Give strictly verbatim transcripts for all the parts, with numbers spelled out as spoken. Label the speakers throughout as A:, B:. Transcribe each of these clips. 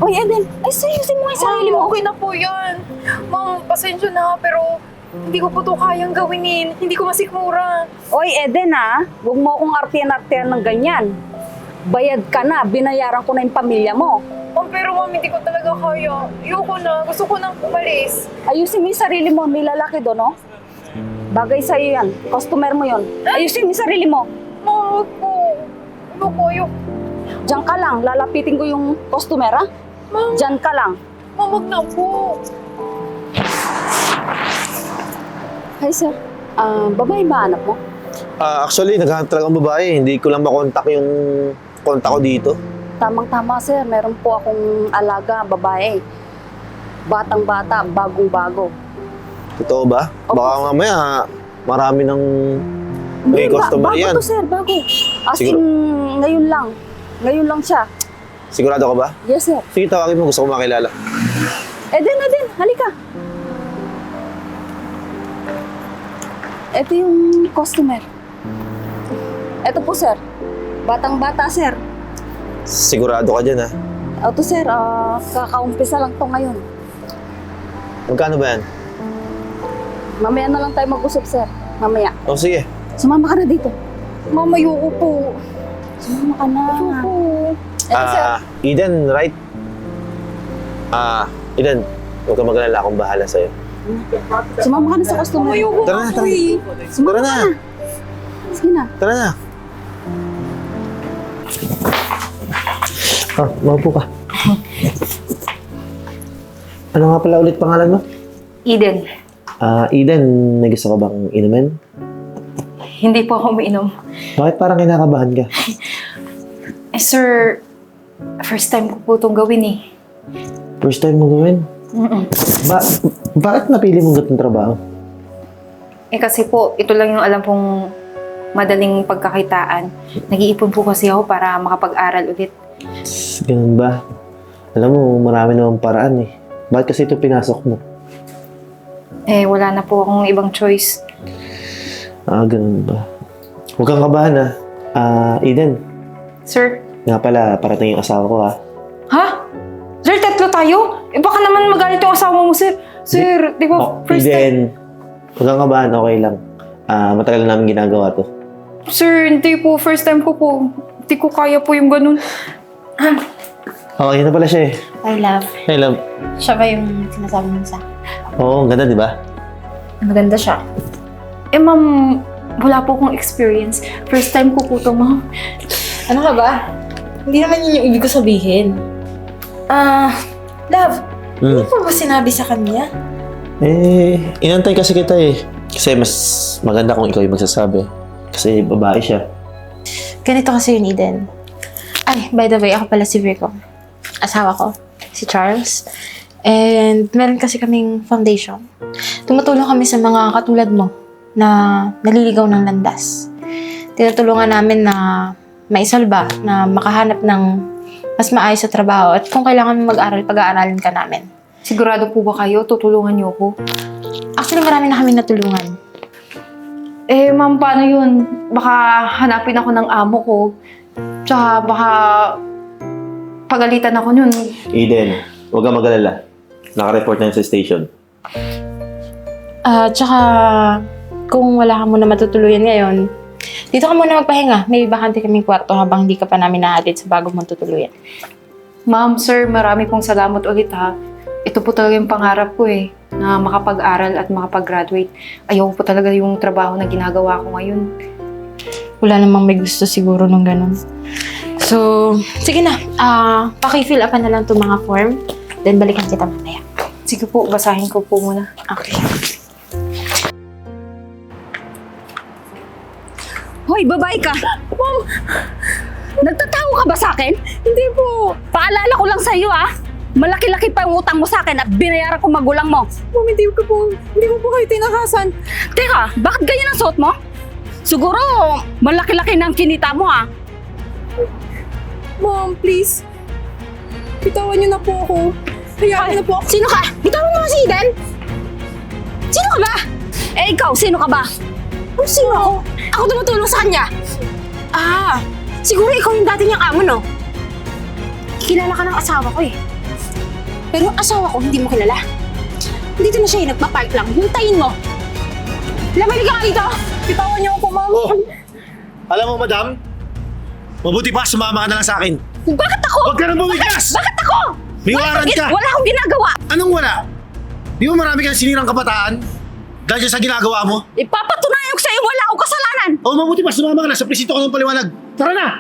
A: Oy, Eden, ay sayusin mo nga yung sarili mo.
B: Okay na po yan. Ma'am, pasensya na, pero hindi ko po to kayang gawinin. Hindi ko masikmura.
A: Oy, Eden ha, huwag mo akong artiyan-artiyan ng ganyan. Bayad ka na, binayaran ko na yung pamilya mo.
B: Ma'am, pero ma'am, hindi ko talaga kaya. Ayoko na. Gusto ko nang umalis.
A: Ayusin mo yung sarili mo, may lalaki doon, no? Bagay sa'yo yan, customer mo yon. Ayusin mo yung sarili mo.
B: Ma'am, wag po. Ayoko, ayoko.
A: Diyan ka lang, lalapitin ko yung customer, ha?
B: Ma'am,
A: Diyan ka lang.
B: ma'am, wag na po.
A: Hi, sir. Ah, babae ba anak mo?
C: Ah, actually, naghahanap talaga ang babae. Hindi ko lang makontak yung kontak ko dito.
A: Tamang-tama, sir. Meron po akong alaga, babae. Batang-bata, bagong-bago.
C: Totoo ba?
A: Opo.
C: Baka mamaya marami ng may
A: ba-
C: customer
A: bago
C: yan.
A: to, sir. Bago. As
C: Siguro-
A: in, ngayon lang. Ngayon lang siya.
C: Sigurado ka ba?
A: Yes, sir.
C: Sige, tawagin mo. Gusto ko makilala.
A: Eden, Eden, halika. Ito yung customer. Ito po, sir. Batang-bata, sir.
C: Sigurado ka dyan, ha?
A: Ito, sir. ah, kakaumpisa lang to ngayon.
C: Magkano ba yan?
A: Mamaya na lang tayo mag-usap, sir. Mamaya.
C: O, sige.
A: Sumama ka na dito.
B: Ma'am, ayoko po.
A: Sumama ka na.
B: Ayoko.
A: Ito, sir.
C: Ah, Eden, right? Ah, Eden, huwag ka mag-alala. Akong bahala sa'yo.
A: Sumama ka na sa customer.
B: Ayoko
C: Tara na,
B: na po
C: tara.
B: eh.
A: Sumama
C: Tara
A: ka
C: na.
A: na. Sige na.
C: Tara na. Ah, maupo ka. Ano nga pala ulit pangalan mo?
B: Eden,
C: Ah, Eden, may gusto ka bang inumin?
B: hindi po ako umiinom.
C: Bakit parang kinakabahan ka?
B: Eh, sir, first time ko po itong gawin eh.
C: First time mo gawin?
B: Mm-mm.
C: Ba bakit napili mong gatong trabaho?
B: Eh kasi po, ito lang yung alam pong madaling pagkakitaan. Nag-iipon po kasi ako para makapag-aral ulit.
C: Ganun ba? Alam mo, marami namang paraan eh. Bakit kasi ito pinasok mo?
B: Eh, wala na po akong ibang choice.
C: Ah, ganun ba? Huwag kang kabahan ah. Ah, Eden,
B: Sir?
C: nga pala, parating yung asawa ko ah.
B: Ha? Sir, tatlo tayo? Eh, baka naman magalit yung asawa mo, sir. Sir, di ba,
C: Oh,
B: first time...
C: Eden, huwag kang kabahan, okay lang. Ah, matagal na namin ginagawa to.
B: Sir, hindi po. First time ko po. Hindi ko kaya po yung ganun.
C: Oh, yun na pala siya eh.
D: I love.
C: Hey, love.
D: Siya ba yung sinasabi mo sa?
C: Oo, ang ganda, di ba?
D: Maganda siya.
B: Eh, ma'am, wala po akong experience. First time ko po to, ma'am.
D: Ano ka ba? Hindi naman yun yung ibig ko sabihin. Ah, love,
C: Hmm.
D: ano pa ba sinabi sa kanya?
C: Eh, inantay kasi kita eh. Kasi mas maganda kung ikaw yung magsasabi. Kasi babae siya.
D: Ganito kasi yun, Eden. Ay, by the way, ako pala si Virgo. Asawa ko, si Charles. And meron kasi kaming foundation. Tumutulong kami sa mga katulad mo na naliligaw ng landas. Tinutulungan namin na maisalba, na makahanap ng mas maayos sa trabaho. At kung kailangan mo mag-aral, pag-aaralin ka namin.
B: Sigurado po ba kayo? Tutulungan niyo ko?
D: Actually, marami na kami natulungan.
B: Eh, ma'am, paano yun? Baka hanapin ako ng amo ko. Tsaka baka pagalitan ako yun.
C: Eden, huwag kang mag-alala. Naka-report na yun sa station.
D: Ah, tsaka kung wala ka muna matutuluyan ngayon, dito ka muna magpahinga. May bakante kaming kwarto habang hindi ka pa namin nahatid sa bago mong tutuluyan.
B: Ma'am, sir, marami pong salamat ulit ha. Ito po talaga yung pangarap ko eh, na makapag-aral at makapag-graduate. Ayoko po talaga yung trabaho na ginagawa ko ngayon.
D: Wala namang may gusto siguro nung ganun. So, sige na. Ah, paki-fill up na lang itong mga form. Then balikan kita mamaya.
B: Sige po, basahin ko po muna.
D: Okay.
A: Hoy, babae ka. Ma'am, nagtatawa ka ba sa akin? Hindi po. Paalala ko lang sa iyo, ah. Malaki-laki pa yung utang mo sa akin at binayaran ko magulang mo.
B: Ma'am, hindi ko po, hindi ko po kayo tinakasan.
A: Teka, bakit ganyan ang suot mo? Siguro, malaki-laki ng kinita mo, ah.
B: Ma'am, please. Bitawan niyo na po ako. Hayaan niyo na po ako.
A: Sino ka? Bitawan mo si Eden. Sino ka ba? Eh, ikaw, sino ka ba? Ano sino ako? Ako tumutulong sa kanya. Ah, siguro ikaw yung dati niyang amo, no? Kilala ka ng asawa ko, eh.
D: Pero yung asawa ko, hindi mo kilala. Dito na siya eh, nagpa-park lang. Hintayin mo. Lamali ka nga dito. Bitawan niyo ako, ma'am.
C: Oh, alam mo, madam, mabuti pa sumama ka na lang sa akin.
A: Bakit ako?
C: Huwag ka nang bumiglas!
A: Bakit ako?
C: May
A: Wala
C: warrant
A: akong gin-
C: ka!
A: Wala akong ginagawa.
C: Anong wala? Di ba marami kang sinirang kabataan? Dahil dyan sa ginagawa mo?
A: Ipapatunayan ko sa'yo wala akong kasalanan.
C: O mabuti pa sumama ka na, sa presinto ko ng paliwanag. Tara na!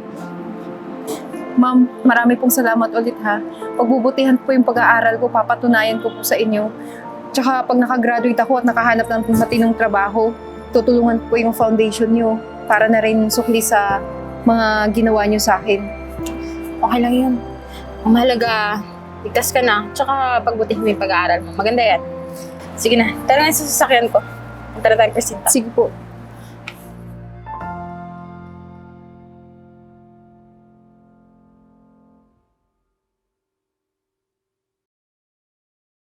B: Ma'am, marami pong salamat ulit ha. Pagbubutihan po yung pag-aaral ko, papatunayan ko po sa inyo. Tsaka pag nakagraduate ako at nakahanap ng matinong trabaho, tutulungan po yung foundation nyo para na rin sukli sa mga ginawa nyo sa akin.
D: Okay lang yun. Ang mahalaga, ligtas ka na. Tsaka pagbutihin mo yung pag-aaral mo. Maganda yan. Sige na, tara na sa sasakyan ko. Punta na tayo presinta.
B: Sige po.